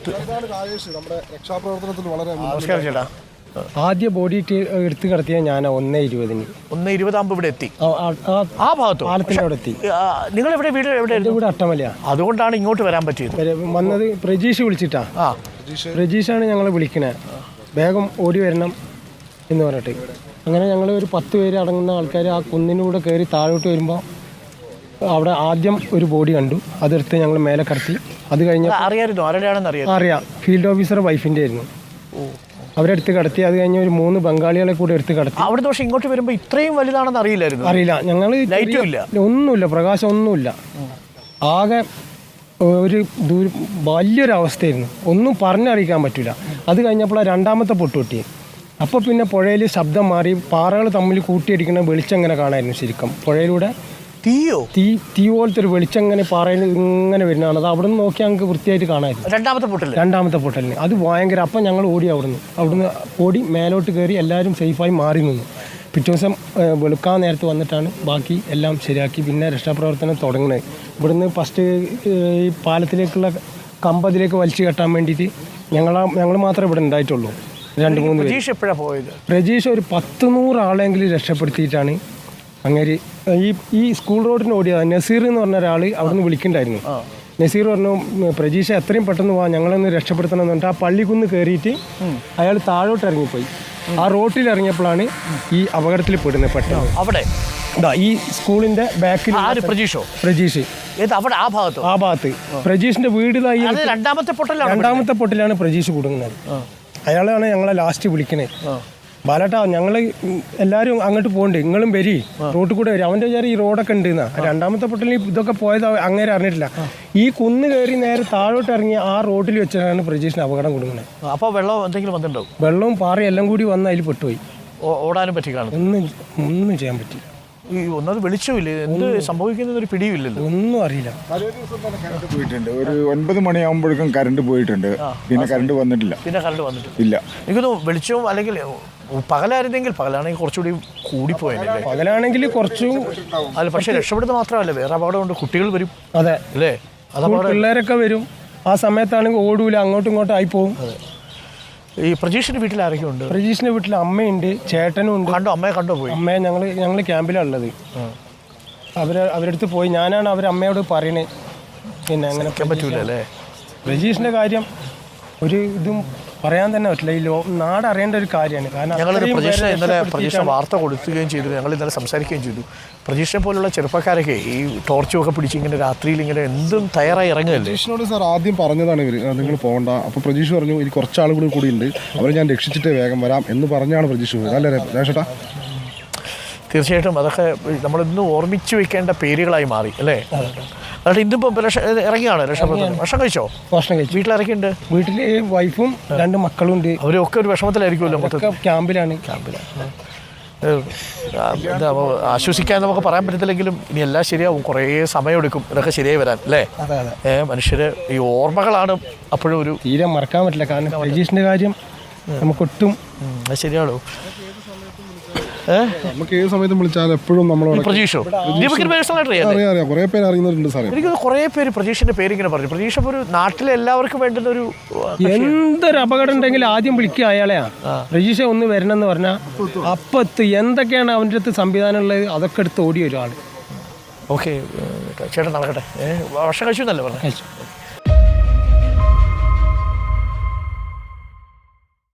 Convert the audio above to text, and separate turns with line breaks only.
നമസ്കാരം ചേട്ടാ.
ആദ്യ ബോഡി എടുത്ത് കിടത്തിയ ഞാൻ 1:20.
1:20 ഇവിടെ എത്തി. ആ ഭാഗത്ത്
പാലത്തിന്റെ അവിടെ എത്തി.
നിങ്ങൾ എവിടെ വീട് എവിടെ?
ഇവിടെ അട്ടമല്ല.
അതുകൊണ്ടാണ് ഇങ്ങോട്ട് വരാൻ പറ്റിയത്.
വന്നത് പ്രജീഷ് വിളിച്ചിട്ടാ. പ്രജീഷാണ് ഞങ്ങളെ വിളിക്കണേ, വേഗം ഓടി വരണം എന്ന് പറഞ്ഞിട്ട്. അങ്ങനെ ഞങ്ങൾ ഒരു 10 പേര് അടങ്ങുന്ന ആൾക്കാർ ആ കുന്നിനൂടെ കയറി താഴോട്ട് വരുമ്പോൾ അവിടെ ആദ്യം ഒരു ബോഡി കണ്ടു. അതെടുത്ത് ഞങ്ങൾ മേലെ കടത്തി. അത് കഴിഞ്ഞ് അറിയാം, ഫീൽഡ് ഓഫീസർ വൈഫിൻ്റെ ആയിരുന്നു. അവരെടുത്ത് കടത്തി. അത് കഴിഞ്ഞ് ഒരു 3 ബംഗാളികളെ കൂടെ എടുത്ത് കടത്തി.
അവിടെ പക്ഷേ ഇങ്ങോട്ട് വരുമ്പോൾ ഇത്രയും വലുതാണെന്ന് അറിയില്ല.
ഞങ്ങൾ ഒന്നുമില്ല, പ്രകാശം ഒന്നുമില്ല. ആകെ ഒരു വലിയൊരവസ്ഥയായിരുന്നു, ഒന്നും പറഞ്ഞറിയിക്കാൻ പറ്റില്ല. അത് കഴിഞ്ഞപ്പോൾ രണ്ടാമത്തെ പൊട്ടുപൊട്ടി. അപ്പോൾ പിന്നെ പുഴയിൽ ശബ്ദം മാറി, പാറകൾ തമ്മിൽ കൂട്ടിയടിക്കുന്ന വെളിച്ചം ഇങ്ങനെ കാണായിരുന്നു. ശരിക്കും പുഴയിലൂടെ തീ പോലത്തെ ഒരു വെളിച്ചം ഇങ്ങനെ പാറയിൽ ഇങ്ങനെ വരുന്നതാണ്. അത് അവിടെ നിന്ന് നോക്കിയാൽ ഞങ്ങൾക്ക് വൃത്തിയായിട്ട് കാണാമായിരുന്നു. രണ്ടാമത്തെ പൊട്ടലിന് അത് ഭയങ്കര. അപ്പം ഞങ്ങൾ ഓടി അവിടുന്ന് ഓടി മേലോട്ട് കയറി എല്ലാവരും സേഫായി മാറി നിന്നു. പിറ്റേ ദിവസം വെളുക്കാൻ നേരത്ത് വന്നിട്ടാണ് ബാക്കി എല്ലാം ശരിയാക്കി പിന്നെ രക്ഷാപ്രവർത്തനം തുടങ്ങുന്നത്. ഇവിടുന്ന് ഫസ്റ്റ് ഈ പാലത്തിലേക്കുള്ള കമ്പതിലേക്ക് വലിച്ചു കെട്ടാൻ വേണ്ടിയിട്ട് ഞങ്ങൾ മാത്രമേ ഇവിടെ ഉണ്ടായിട്ടുള്ളൂ. 2-3 പ്രജീഷ് ഒരു 100 ആളെങ്കിലും രക്ഷപ്പെടുത്തിയിട്ടാണ് അങ്ങനെ ഈ സ്കൂൾ റോഡിന് ഓടിയത്. നസീർ എന്ന് പറഞ്ഞ ഒരാൾ അവിടെ നിന്ന് വിളിക്കണ്ടായിരുന്നു. നസീർ പറഞ്ഞു, പ്രജീഷ എത്രയും പെട്ടെന്ന് പോവാം, ഞങ്ങളൊന്ന് രക്ഷപ്പെടുത്തണം എന്ന് പറഞ്ഞിട്ട് ആ പള്ളിക്കുന്ന് കയറിയിട്ട് അയാൾ താഴോട്ട് ഇറങ്ങിപ്പോയി. ആ റോട്ടിൽ ഇറങ്ങിയപ്പോഴാണ് ഈ അപകടത്തിൽ പെടുന്നത്. പെട്ടെന്ന് അവിടെ ഈ സ്കൂളിന്റെ ബാക്കിൽ പ്രജീഷ് ആ ഭാഗത്ത് പ്രജീഷിന്റെ വീട് രണ്ടാമത്തെ പൊട്ടിലാണ് പ്രജീഷ് കുടുങ്ങുന്നത്. അയാളാണ് ഞങ്ങളെ ലാസ്റ്റ് വിളിക്കണേ. ബാലേട്ടാ, ഞങ്ങൾ എല്ലാവരും അങ്ങോട്ട് പോകണ്ടേ, നിങ്ങളും വരി, റോട്ടിൽ കൂടെ വരും. അവൻ്റെ വിചാരം ഈ റോഡൊക്കെ ഉണ്ട് എന്നാ. രണ്ടാമത്തെ പൊട്ടലിൽ ഇതൊക്കെ പോയത് അങ്ങനെ അറിഞ്ഞിട്ടില്ല. ഈ കുന്ന് കയറി നേരെ താഴോട്ട് ഇറങ്ങി ആ റോഡിൽ വെച്ചാണ് പ്രജീഷിന് അപകടം കൊടുക്കുന്നത്.
അപ്പോൾ വെള്ളം എന്തെങ്കിലും വന്നിട്ടുണ്ടാവും?
വെള്ളവും പാറയും എല്ലാം കൂടി വന്ന് അതിൽ പെട്ടുപോയി.
ഓടാനും പറ്റി കാണും?
ഒന്നും ചെയ്യാൻ പറ്റില്ല.
ഒന്നത് വെളിച്ചമില്ല, എന്ത് സംഭവിക്കുന്നത് ഒരു പിടിയില്ലല്ലോ, ഒന്നും അറിയില്ല.
പോയിട്ടുണ്ട് ഒരു 9 മണിയാകുമ്പോഴേക്കും കറണ്ട് പോയിട്ടുണ്ട്. പിന്നെ കറണ്ട് വന്നിട്ടില്ല. ഇല്ല.
എനിക്കൊന്ന് വെളിച്ചവും അല്ലെങ്കിൽ പകലായിരുന്നെങ്കിൽ, പകലാണെങ്കിൽ കുറച്ചുകൂടി കൂടിപ്പോയല്ലേ.
പകലാണെങ്കിൽ കുറച്ചും
അല്ല, പക്ഷെ രക്ഷപ്പെടുന്നത് മാത്രമല്ല, വേറെ അപകടമുണ്ട്. കുട്ടികൾ വരും.
അതെ
അല്ലേ,
പിള്ളേരൊക്കെ വരും. ആ സമയത്താണെങ്കിൽ ഓടൂല, അങ്ങോട്ടും ഇങ്ങോട്ടും ആയി പോകും.
ഈ പ്രജീഷിന്റെ വീട്ടിൽ ആരൊക്കെ ഉണ്ട്?
പ്രജീഷിന്റെ വീട്ടിൽ അമ്മയുണ്ട്, ചേട്ടനും ഉണ്ട്.
അമ്മയെ കണ്ടുപോയി?
അമ്മയെ ഞങ്ങൾ ക്യാമ്പിലാണ് ഉള്ളത്. അവരടുത്ത് പോയി. ഞാനാണ് അമ്മയോട് പറയണേ. പിന്നെ അങ്ങനെ
പറ്റൂല അല്ലേ.
പ്രജീഷിന്റെ കാര്യം ഒരു ഇതും പറയാൻ തന്നെ പറ്റില്ല. ഈ നാട് അറിയേണ്ട ഒരു കാര്യമാണ്. കാരണം
ഞങ്ങൾ പ്രജീഷിനെ വാർത്ത കൊടുക്കുകയും ചെയ്തു. ഞങ്ങൾ ഇന്നലെ സംസാരിക്കുകയും ചെയ്തു. പ്രജീഷിനെ പോലുള്ള ചെറുപ്പക്കാരൊക്കെ ഈ ടോർച്ചും ഒക്കെ പിടിച്ച് ഇങ്ങനെ രാത്രിയിൽ ഇങ്ങനെ എന്തും തയ്യാറായി ഇറങ്ങുകയല്ലേ.
പ്രജീഷിനോട് സാർ ആദ്യം പറഞ്ഞതാണ് ഇവർ, നിങ്ങൾ പോകണ്ട. അപ്പോൾ പ്രജീഷ് പറഞ്ഞു, ഇനി കുറച്ച് ആളുകൾ കൂടി ഉണ്ട്, അവരെ ഞാൻ രക്ഷിച്ചിട്ട് വേഗം വരാം എന്ന് പറഞ്ഞാണ് പ്രജീഷ് പോയത്. അല്ലേ രാജേട്ടാ?
തീർച്ചയായിട്ടും അതൊക്കെ നമ്മളിന്ന് ഓർമ്മിച്ച് വെക്കേണ്ട പേരുകളായി മാറി അല്ലേ. അതായത് ഇന്നിപ്പം ഇറങ്ങിയാണ് രക്ഷപ്പെടുന്നത്. ഭക്ഷണം കഴിച്ചോ?
ഭക്ഷണം കഴിച്ചു.
വീട്ടിലിറക്കിയുണ്ട്?
വീട്ടിൽ വൈഫും 2 മക്കളും ഉണ്ട്.
അവരൊക്കെ ഒരു വിഷമത്തിലായിരിക്കുമല്ലോ. മൊത്തം
ക്യാമ്പിലാണ്.
ആശ്വസിക്കാൻ നമുക്ക് പറയാൻ പറ്റത്തില്ലെങ്കിലും ഇനി എല്ലാം ശരിയാവും. കുറേ സമയമെടുക്കും ഇതൊക്കെ ശരിയായി വരാൻ അല്ലേ. മനുഷ്യര് ഈ ഓർമ്മകളാണ് അപ്പോഴും ഒരു
തീരെ മറക്കാൻ പറ്റില്ല. കാരണം പ്രജീഷിന്റെ കാര്യം നമുക്കൊട്ടും
അത് ശരിയാണോ.
നമുക്ക് ഏത് സമയത്തും വിളിച്ചാൽ എപ്പോഴും നമ്മളോട്
പ്രജീഷോ
അറിയാം. കുറേ പേര് അറിയുന്നവരുണ്ട് സാറേ.
എനിക്ക് കുറേ പേര് പ്രജീഷിന്റെ പേരിങ്ങനെ പറഞ്ഞു. പ്രജീഷ് ഒരു നാട്ടിലെ എല്ലാവർക്കും വേണ്ടുന്ന ഒരു
എന്തൊരു അപകടം ഉണ്ടെങ്കിലും ആദ്യം വിളിക്കുക അയാളെയാ. പ്രജീഷ ഒന്ന് വരണം എന്ന് പറഞ്ഞാൽ അപ്പത്ത് എന്തൊക്കെയാണ് അവൻ്റെ അടുത്ത് സംവിധാനം ഉള്ളത് അതൊക്കെ എടുത്ത് ഓടി ഒരാൾ.
ഓക്കെ ചേട്ടൻ നടക്കട്ടെ. ഭക്ഷണം കഴിച്ചു എന്നല്ലേ പറഞ്ഞു?
കഴിച്ചു.